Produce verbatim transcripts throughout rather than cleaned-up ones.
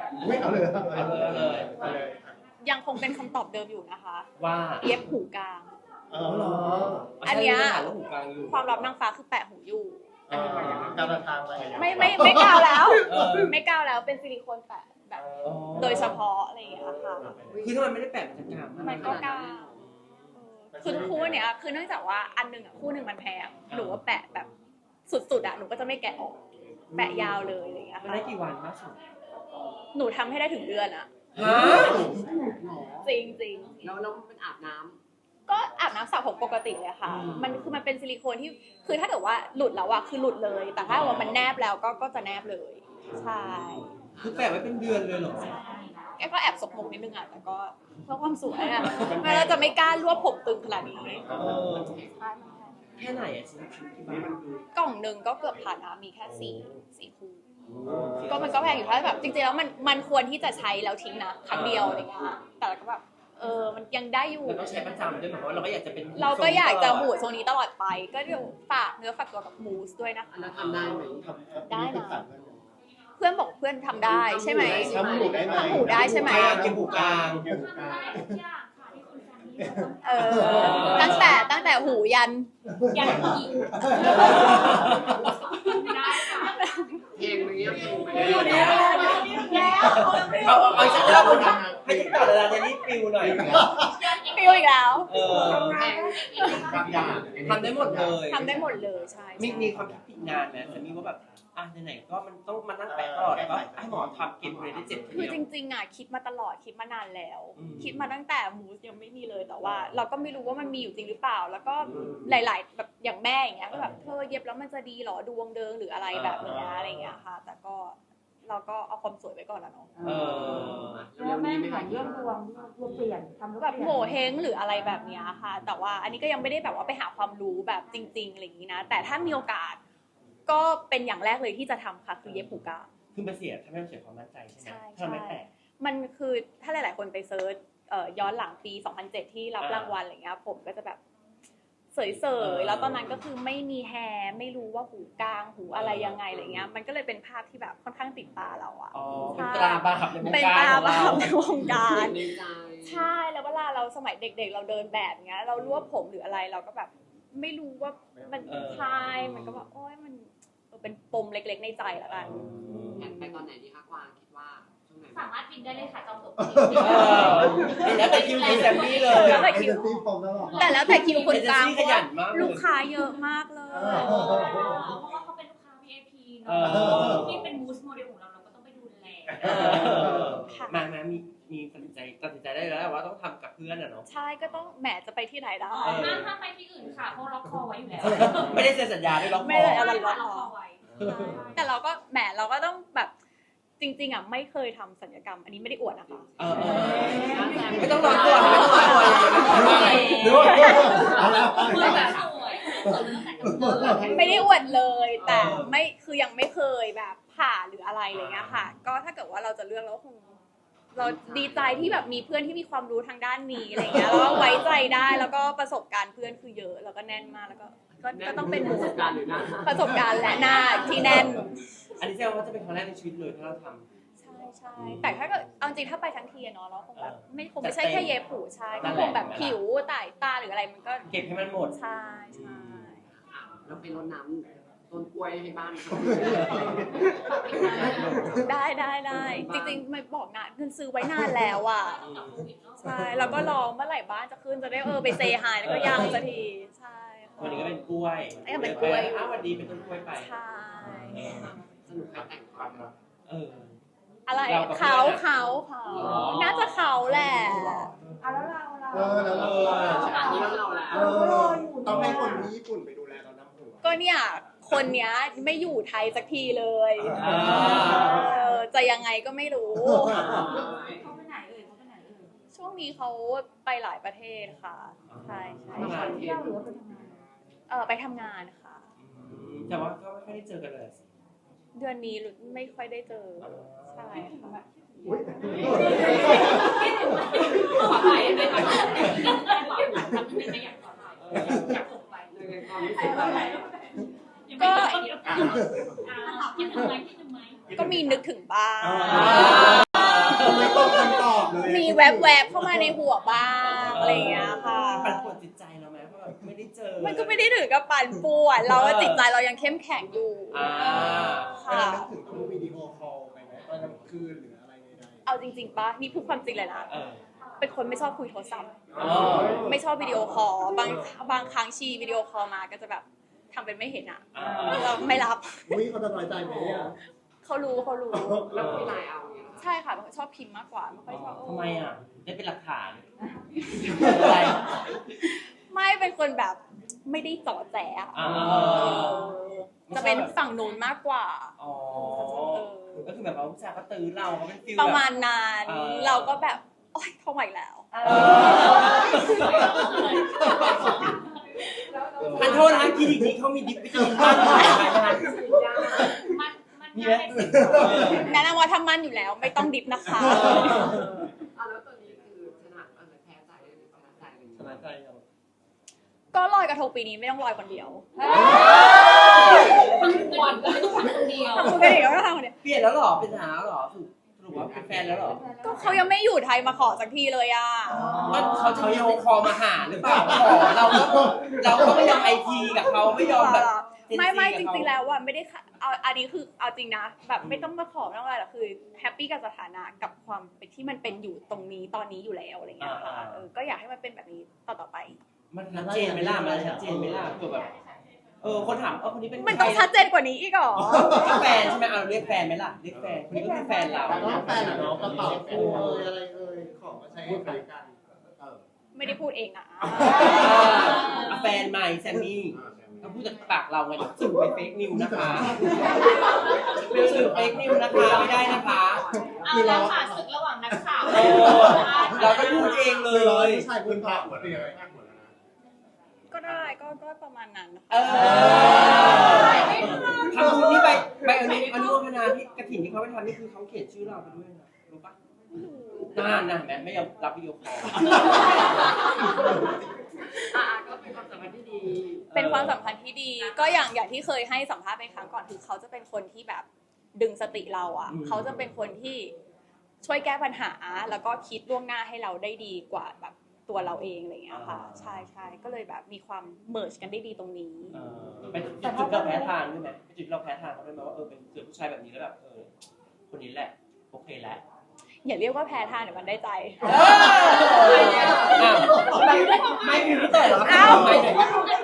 ไม่เอาเลยเอาเอาเลยเอาเลยเอาเลยยังคงเป็นคำตอบเดิมอยู่นะคะว่าเย็บหูกลางเออเหรออันเนี้ยใช่เรื่องหูกลางอยู่ความลับนางฟ้าคือแปะหูอยู่เออการเดินทางไปไม่ไม่ไม่ก้าวแล้วเออไม่ก้าวแล้วเป็นซิลิโคนแปะแบบอ๋อโดยเฉพาะอะไรอย่างเงี้ยค่ะคือถ้ามันไม่ได้แปะมันจะกลางมันก็ก้าวเออคือคู่เนี้ยคือเนื่องจากว่าอันหนึ่งอ่ะคู่หนึ่งมันแพงหนูว่าแปะแบบสุดๆอ่ะหนูก็จะไม่แกะออกแปะยาวเลยอะไรอย่างเงี้ยมันค่ะได้กี่วันมากสุดหนูทำให้ได้ถึงเดือนอ่ะฮะจริงจริงแล้วแล้วมันอาบน้ำก็อาบน้ำสระผมปกติเลยค่ะ มันคือมันเป็นซิลิโคนที่คือถ้าเกิดว่าหลุดแล้วอะคือหลุดเลย แต่ถ้าว่ามันแนบแล้วก็ก็จะแนบเลย ใช่คือแปะไว้เป็นเดือนเลยเหรอแกก็แอบสกมกนิดนึงอะแต่ก็เพื่อความสวยอะไม่เราจะไม่กล้ารวบผมตึงขนาดนี้เออแค่ไหนอะชิ้นชิ้นที่บ้านกล่องหนึ่งก็เกือบพันนะมีแค่สี่สี่คู่ก็มันก็แพงอยู่ถ้าแบบจริงๆแล้วมันมันควรที่จะใช้แล้วทิ้งนะครั้งเดียวอะไรเงี้ยแต่เราก็แบบเออมันยังได้อยู่เราต้องใช้ประจำด้วยเหมือนว่าเราก็อยากจะเป็นเราก็อยากจะหูทรงนี้ตลอดไป ก็เดี๋ยวฝากเนื้อฝากตัวกับมูสด้วยนะคะอันนั้นทำได้ไหมทำได้นะ เพื่อนบอกเพื่อนทำได้ใช่ไหมทำหูได้ไหมทำหูได้ใช่ไหมเก็บหูกลางเกี่ยวกับการเออตั้งแต่ตั้งแต่หูยันยันอีกได้ค่ะเพลงมันเงี้ยเพลงมันอยู่เงี้ยแล้วแล้วเอาเอาเอาอีกสักรอบนะให้ติ๊กต่อเลยนะนี่ฟิวหน่อยฟิวอีกแล้วเออบางอย่างทำได้หมดเลยทำได้หมดเลยใช่มีใช่มีความคิดผิดงานไหมแต่มีว่าแบบอ่ะไหนๆก็มันต้องมานั่งแปะตลอดแล้วก็ให้หมอทำเก็บเลยได้เจ็ดทีคือเดียวจริงๆอ่ะคิดมาตลอดคิดมานานแล้วอืมคิดมาตั้งแต่มูสยังไม่มีเลยแต่ว่า เราก็ไม่รู้ว่ามันมีอยู่จริงหรือเปล่า แล้วก็หลาย ๆ แบบอย่างแม่อย่างเงี้ยก็แบบเธอเย็บแล้วมันจะดีเหรอดวงเดิงหรืออะไรแบบเนี้ยอะไรเงี้ยค่ะ แต่ก็เราก็เอาความสวยไว้ก่อนแล้วเนาะเออแล้วแม่ถามเรื่องดวงดวงเปลี่ยนทำแล้วแบบโหเฮงหรืออะไรแบบเนี้ยค่ะ แต่ว่าอันนี้ก็ยังไม่ได้แบบว่าไปหาความรู้แบบจริงๆอะไรอย่างนี้นะ แต่ถ้ามีโอกาส ก็เป็นอย่างแรกเลยที่จะทำค่ะคือเย็บหูกลางคือมาเสียถ้าไม่เสียความมั่นใจใช่ไหมใช่ถ้าเราไม่ใช่แปะมันคือถ้าหลายๆคนไปเซิร์ชเอ่อย้อนหลังปี สองพันเจ็ด ที่รับอ่ารรางวัลอะไรเงี้ยผมก็จะแบบเสยๆแล้วตอนนั้นก็คือไม่มีแฮร์ไม่รู้ว่าหูกลางหูอะไรยังไงอะไรเงี้ยมันก็เลยเป็นภาพที่แบบค่อนข้างติดตาเราอะอ๋อเป็นตราบาปในวงเป็นการตาของบาเราปในวงการในใจใช่แล้วเวลาเราสมัยเด็กๆ เราเดินแบบเงี้ยเรารวบผมหรืออะไรเราก็แบบไม่รู้ว่ามันใช่มันก็แบบโอ๊ยมันเออเป็นปมเล็กๆในใจแล้วกันแผนไปตอนไหนดีคะกวางคิดว่าช่วงไหนสามารถบินได้เลยค่ะจองตั๋วเออแล้วแต่คิวคุณแซมมี่เลยแล้วแต่คิวตีฟอมตลอดแต่แล้วแต่คิวคนกลางเอเจนซี่ขยันมากเลยลูกค้าเยอะมากเลยเพราะว่าเขาเป็นลูกค้า วี ไอ พี เนาะที่เป็นมูสโมเดลของเราเราก็ต้องไปดูแลเออมามามีมีตัดสินใจตัดสินใจได้แล้วว่าต้องทำกับเพื่อนอะเนาะใช่ก็ต้องแหมจะไปที่ไหนได้เออห้ามห้ามไปที่อื่นค่ะเพราะล็อกคอไว้อยู่แล้วไม่ได้เซ็นสัญญาด้วยล็อกคไม่อได้อะไรล็อกคอไว้แต่เราก็แหมเราก็ต้องแบบจริงๆอ่ะไม่เคยทำศัลยกรรม อันนี้ไม่ได้อวดนะคะเออเออไม่ต้องร้อนตัวไม่ต้องร้อนตัวเลยหรือว่าเอาแล้วเมื่อแบบสวยไม่ได้อวดเลย แต่ไม่คือยังไม่เคยแบบผ่าหรืออะไรอะไรเงี้ยค่ะ ก็ถ้าเกิดว่าเราจะเลือกเราคงเราดีใจที่แบบมีเพื่อนที่มีความรู้ทางด้านนี้อะไรเงี้ยแล้วก็ไว้ใจได้แล้วก็ประสบการณ์เพื่อนคือเยอะแล้วก็แน่นมากแล้วก็ก็ก็ต้องเป็นหปมู่ระสบการณ์หรือหน้าประสบการณ์และหน้าที่แน่นอันนี้แสดงว่าจะเป็นครั้งแรกในชีวิตเลยถ้าเราทำใช่ใช่แต่ถ้าเกิดเอาจริงถ้าไปทั้งทีอะเนาะเราคงแบบไม่คงไม่ใช่แต่เต็มแค่เย็บผูใช่นั่ก็นแหคละงแบบผิวไตตาหรืออะไรมันก็เก็บให้มันหมดใช่ใช่เราไปรดน้ำต้นกล้วยให้บ้านเขาได้ได้ได้จริงๆไม่บอกนะเงินซื้อไว้นานแล้วอ่ะใช่แล้วก็รอเมื่อไหร่บ้านจะขึ้นจะได้เออไปเซฮายแล้วก็ยังสักทีใช่ค่ะวันนี้ก็เป็นกล้วยเอ้ยเป็นกล้วยอ้าววันนี้เป็นต้นกล้วยไปใช่สนุกไปแต่งความรักเอออะไรเรากับเขาเพื่อนอะเขาเขาอ๋อน่าจะเขาแหละเอาแล้วเราเราเออแล้วเราอันนี้เราแล้วเออต้องให้คนที่ญี่ปุ่นไปดูแลเราน้ำหัวก็เนี่ยคนเนี้ยไม่อยู่ไทยสักทีเลยอ่าเออจะยังไงก็ไม่รู้เขาไปไหนเอ่ยเขาไปไหนเอ่ยช่วงนี้เขาไปหลายประเทศค่ะใช่ใช่ทำงานเที่ยวหรือว่าไปทำงานเออไปทำงานค่ะอืมแต่ว่าก็ไม่ค่อยได้เจอกันเลยสิเดือนนี้ไม่ค่อยได้เจอใช่ค่ะอุ๊ยขอถ่ายได้ไหมขอถ่ายได้ไหมทำได้ไหมอยากขอถ่ายอยากส่งไปในความรู้สึกเราก็คิดถึงไหมคิดถึงไหมก็มีนึกถึงบ้างอ่าแวบๆเข้ามาในหัวบ้างอะไรอย่างเงี้ยค่ะปั่นป่วนจิตใจเราไหมเพราะแบบไม่ได้เจอมันก็ไม่ได้ถึงกับปั่นป่วนเราจิตใจเรายังเข้มแข็งอยู่อ่าเวค่ะลานึกถึงต้องวิดีโอคอลไปไหมตอนกลางคืนหรืออะไรใดเอาจริงๆปะนี่พูดความจริงเลยนะเออเป็นคนไม่ชอบคุยโทรศัพท์อ๋อไม่ชอบวิดีโอคอลบางบางครั้งชีวิดีโอคอลมาก็จะแบบทำเป็นไม่เห็นอ่ะอ่าเราไม่รับๆอุ้ยเขาจะน้อยใจไหมอ่ะเขารู้เขารู้แล้วคุยไลน์เอาอย่างเงี้ยใช่ค่ะชอบพิมพ์มากกว่าไม่ค่อยชอบทำไมอ่ะได้เป็นหลักฐานอะไรไม่เป็นคนแบบไม่ได้เจาะแจ๊ะอ่าจะเป็นฝั่งนู้นมากกว่าอ๋อก็คือแบบว่าผู้ชายก็ตื้อเราเขาเป็นฟิลประแบบมาณนั้นเออเราก็แบบโอ๊ยเข้ามาอีกแล้วทันโทษนะคลินิกนี้เขามีดิบวิตามินบ้างไหมคะมันมันมีน่าไหมเป็นสิ่งแนะนำว่าทำมันอยู่แล้วไม่ต้องดิฟนะคะอ่ะแล้วตัวนี้คือชนะเออแพ้ใจหรือชนะใจอะไรอย่างสเงี้ยบายใจยังก็ลอยกระทงปีนี้ไม่ต้องลอยคนเดียวทั้งมวลก็ไม่ต้องคนเดียวทำคนเดียวก็ทำคนเดียวเปลี่ยนแล้วเหรอเป็นหาแล้วเหรอสรุปสรุปว่าเป็นแฟนแล้วเหรอก็เขายังไม่อยู่ไทยมาขอสักทีเลยอ่ะก็เขาจะวิดีโอคอลมาหาหรือเปล่าขอเราก็เราก็ไม่ยอมไอทีกับเขาไม่ยอมแบบไม่ไม่จริงๆแล้วว่าไม่ได้ค่ะเอาอันนี้คือเอาจริงนะแบบไม่ต้องมาขอไม่ต้องอะไรหรอกคือแฮปปี้กับสถานะกับความเป็นที่มันเป็นอยู่ตรงนี้ตอนนี้อยู่แล้วอะไรเงี้ยค่ะเออก็อยากให้มันเป็นแบบนี้ต่อต่อไปมันชัดเจนไหมล่ะมันชัดเจนไหมล่ะคือแบบเออคนถามเออคนนี้เป็นมันต้องชัดเจนกว่านี้อีกเหรอแฟนใช่ไหมเอาเรียกแฟนไหมล่ะเรียกแฟนคนนี้ก็คือแฟนเราแต่ว่าแฟนอะเนาะกระเป๋าคู่เอ่ยอะไรเอ่ยของมาใช้ให้ใช้กันเออไม่ได้พูดเองอ่ะแฟนใหม่แซมมี่เราพูดจากปากเราไงสื่อไปเฟกนิวนะคะเป็นสื่อเฟกนิวนะคะไม่ได้นะคะเอาแล้วค่ะศึกระหว่างนักข่าวเออเราก็พูดเองเลเลยร้อยยผู้ชายคุณพาหัวเตียงข้างหัวแล้วนะก็ได้ก็ก็ประมาณนั้นนะคะเออทำบุญที่ไปไปอนุอนุโมทนาที่กระถิ่นที่เขาไปทำนี่คือเขาเขียนชื่อเราไปด้วยนะรู้ปะน่านะเห็นไหมไม่ยอมรับวิดีโอคอลอ่ะก็เป็นความสัมพันธ์ที่ดีเป็นความสัมพันธ์ที่ดี ก็อย่างอย่างที่เคยให้สัมภาษณ์ไปครั้งก่อนคือเขาจะเป็นคนที่แบบดึงสติเราอ่ะเขาจะเป็นคนที่ช่วยแก้ปัญหาแล้วก็คิดล่วงหน้าให้เราได้ดีกว่าแบบตัวเราเองอะไรอย่างเงี้ยค่ะใช่ใช่ก็เลยแบบมีความเมิร์จกันได้ดีตรงนี้เออเป็นจุดเราแพ้ทางด้วยไหมเป็นจุดเราแพ้ทางเขาด้วยไหมว่าเออเป็นเจอผู้ชายแบบนี้แล้วแบบเออคนนี้แหละโอเคแล้วอย่าเรียกว่าแพ้ทางเดี๋ยวมันได้ใจไม่ไม่มีพี่แต่หรออ้าวไม่ไหน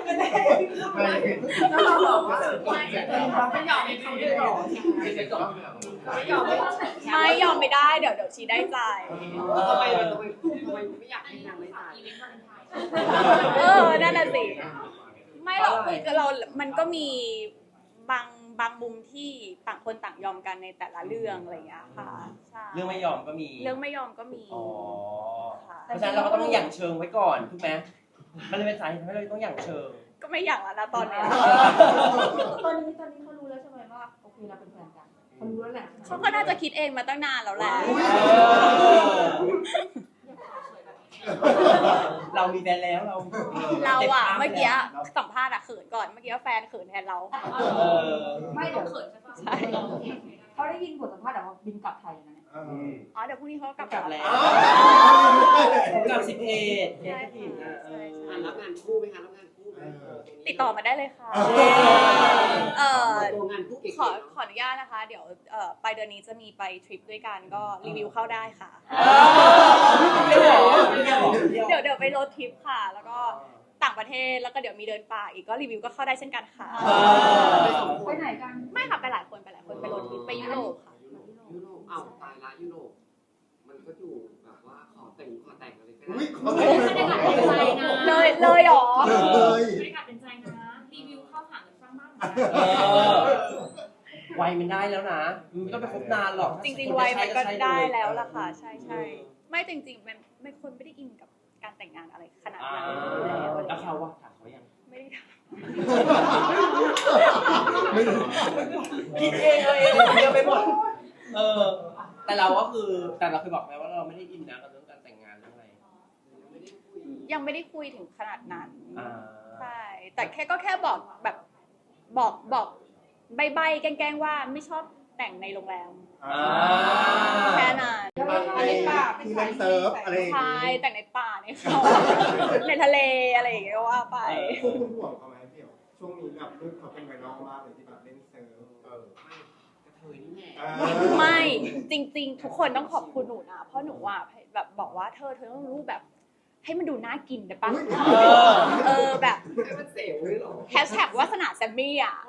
แล้วเราบอกว่าเราไม่ยอมให้เขาด้วยหรอไม่ยอมไม่ไม่ยอมไม่ได้เดี๋ยวเดี๋ยวชีได้ใจทำไมเราทำไมทำไมไม่อยากให้นางไม่ตายอีเวนต์วาเลนไทน์เออนั่นน่ะสิไม่หรอกคือเรา มันก็มีบางบางมุมที่ต่างคนต่างยอมกันในแต่ละเรื่องอะไรอย่างเงี้ยค่ะใช่เรื่องไม่ยอมก็มีเรื่องไม่ยอมก็มีอ๋อค่ะเพราะฉะนั้นเราก็ต้องหยั่งเชิงไว้ก่อนถูกไหมมันเลยเป็นสาเหตุทำให้เราต้องหยั่งเชิงก็ไม่อยากแล้วนะตอนเนี้ยตอนนี้ตอนนี้เขารู้แล้วใช่ไหมว่าโอเคเราเป็นแฟนกันเขารู้แล้วแหละเขาก็น่าจะคิดเองมาตั้งนานแล้วแหละเรามีแฟนแล้วเราเราอะเมื่อกี้สัมภาษณ์อะเขินก่อนเมื่อกี้แฟนเขินแทนเราเออไม่เดี๋ยวเขินใช่ปะใช่เขาได้ยินบทสัมภาษณ์แต่ว่าบินกลับไทยนะเนี่ยเอออ๋อเดี๋ยวพรุ่งนี้เขากลับกลับแล้วอ้าวกลับสิบเอ็ดใช่เอ็ดนะเอออ่ะรับงานคู่ไหมคะรับงานคู่ไหมติดต่อมาได้เลยค่ะ เออตัวงานคู่เก๋ๆขอขออนุญาตนะคะ เดี๋ยวเอ่อปลายเดือนนี้จะมีไปทริปด้วยกันก็รีวิวเข้าได้ค่ะเดี๋ยวเหรอเดี๋ยวเหรอเดี๋ยวเดี๋ยวไปโรดทริปค่ะ แล้วก็ต่างประเทศแล้วก็เดี๋ยวมีเดินป่าอีกก็รีวิวก็เข้าได้เช่นกันค่ะไปไหนกันไม่ค่ะไปหลายคนไปหลายคนไปโรดทริปไปยุโรปค่ะยุโรปอ้าวตายละยุโรปมันก็อยู่แบบว่าขอแต่งขอแต่งอะไรก็อุ้ยได้เขาบรรยากาศเป็นใจนะเลยเลยเหรอเลยบรรยากาศเป็นใจนะรีวิวเข้าหาหรือสร้างบ้านเออวัยมันได้แล้วนะมันไม่ต้องไปคบนานหรอกจริงๆวัยมันก็ได้แล้วล่ะค่ะ ใช่ใช่ไม่จริงๆมันไม่คนไม่ได้อินกับการแต่งงานอะไรขนาดอ่านั้นอยู่แล้วแล้วเขาว่าถามเขายังไม่ได้ทไม่รู้คิดเองเลยเองเยอะไปหมดเออ แต่เราก็คือแต่เราเคยบอกไหมว่าเราไม่ได้อินนะกับเรื่องการแต่งงานเรื่องอะไรำยังไม่ได้คุยถึงขนาดนั้นอ่าใช่ แต่แค่ก็แค่บอกแบบบอกบอกใบๆแกล้งๆว่าไม่ชอบแต่งในโรงแรมอ่าแค่นั้นแล้วไม่ชอบเล่นปากที่เล่นเซิร์ฟอะไรอย่างใช่งี้แต่งในป่าในเขาในทะเลอะไรอย่างเงี้ยก็ว่าไปพวกคุณห่วงเขาไหมพี่เอ๋ช่วงนี้แบบลูกเขาเป็นไวรัลมากเลยที่แบบเล่นเซิร์ฟเออกระเทยนี่แหละเออไม่จริง ๆ ทุกคนต้องขอบคุณหนูนะเพราะหนูอ่ะแบบบอกว่าเธอเธอต้องรูปแบบ ให้มันดูน่ากินได้ปะเออเออแบบให้มันเสียวเลยหรอแฮชแท็กวาสนาแซมมี่อ่ะ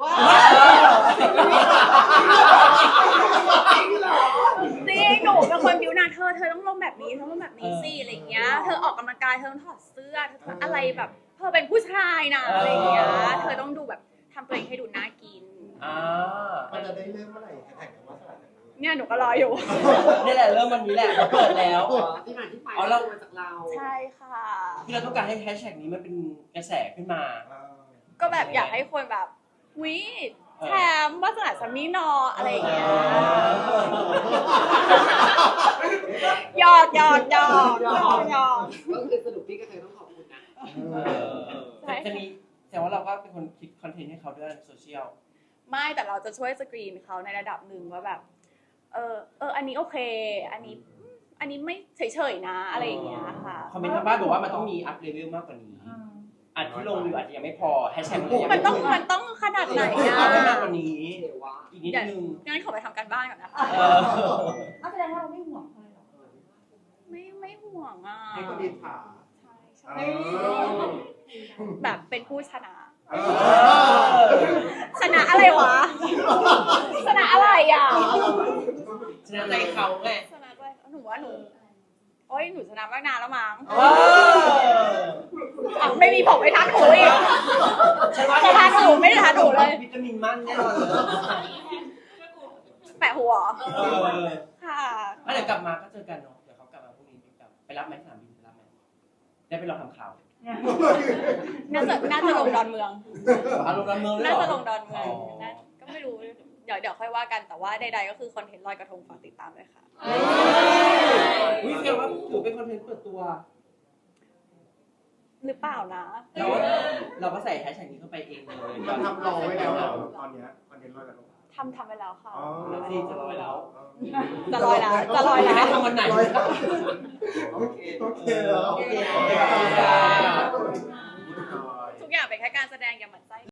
จริงหนูเป็นคนบิวนะเธอเธอต้องลงแบบนี้เธอต้องลงแบบนี้สิอะไรอย่างเงี้ยเธอออกกำลังกายเธอต้องถอดเสื้อเธออะไรแบบเธอเป็นผู้ชายนะอะไรอย่างเงี้ยเธอต้องดูแบบทำตัวเองให้ดูน่ากินอ่ามันจะได้เริ่มเมื่อไหร่แท็กว่าสลัดจากนี้เนี่ยหนูก็รออยู่นี่แหละเริ่มวันนี้แหละเราเปิดแล้วที่มาที่ไปอ๋อเรามาจากเราใช่ค่ะที่เราต้องการให้แฮชแท็กนี้มันเป็นกระแสขึ้นมาเออก็แบบอยากให้คนแบบวิแถมวาสนาแซมมี่นออะไรอย่างเงี้ยหยอกหยอกหยอกหยอกหยอกก็คือสรุปพี่กระเทยต้องขอบคุณนะเออแต่จะมีแต่ว่าเราก็เป็นคนคิดคอนเทนต์ให้เขาด้วยในโซเชียลไม่แต่เราจะช่วยสกรีนเขาในระดับหนึ่งว่าแบบ เออเอออันนี้โอเค อันนี้อันนี้ไม่เฉยๆนะอะไรอย่างเงี้ยค่ะคอมเมนต์ทางบ้านบอกว่ามันต้องมีอัพเลเวลมากกว่านี้อันที่ลงอยู่อาจจะยังไม่พอแฮชแท็กมันยังมันไม่ต้องมันต้องขนาดไหนต้องอะอัพให้มากกว่านี้เดี๋ยวว่าอีกนิดนึงงั้นขอไปทำการบ้านก่อนนะคะเออเอาแสดงว่าเราไม่ห่วงเขาเลยเหรอไม่ไม่ห่วงอ่ะให้คนดีถาใช่เอใช่อแบบเป็นผู้ชนะเออชนะอะไรวะ ชนะอะไรอ่ะชนะใจเขาไงชนะอะไรหนูว่าหนูโอ้ยหนูชนะมากนานแล้วมั้งเอออ่ะไม่มีผมไม่ทันหนูอีกฉันว่าจะทานหนูไม่ได้ทานหนูเลยวิตามินมั่นแน่นอนเลยแปะหัวเออค่ะแล้วเดี๋ยวกลับมาก็เจอกันเนาะเดี๋ยวเขากลับมาพรุ่งนี้กลับไปรับไหมสนามบินไปรับไหมได้ไปรอทำข่าวน่าจะน่าจะลงดอนเมืองอารมณ์ดอนเมืองเลยน่าเหรจะลองดอนเมืองนะก็ไม่รู้ เดี๋ยวเดี๋ยวค่อยว่ากันแต่ว่าใดๆก็คือคอนเทนต์ลอยกระทงฝากติดตามด้วยค่ะวิเฟียว่าถือเป็นคอนเทนต์เปิดตัวหรือเปล่านะเราเราก็ใส่แฮชแท็กนี้เข้าไปเองเลยเราทำรอไว้แล้วเหรอตอนเนี้ยคอนเทนต์ลอยกระทงทำทำไปแล้วค่ะอ๋อแล้วสิจะลอยแล้วจะลอยแล้วจะลอยแล้วให้ทำวันไหนโอเคโอเคแล้วโอเคทุกอย่างเป็นแค่การแสดงอย่าหมั่นไส้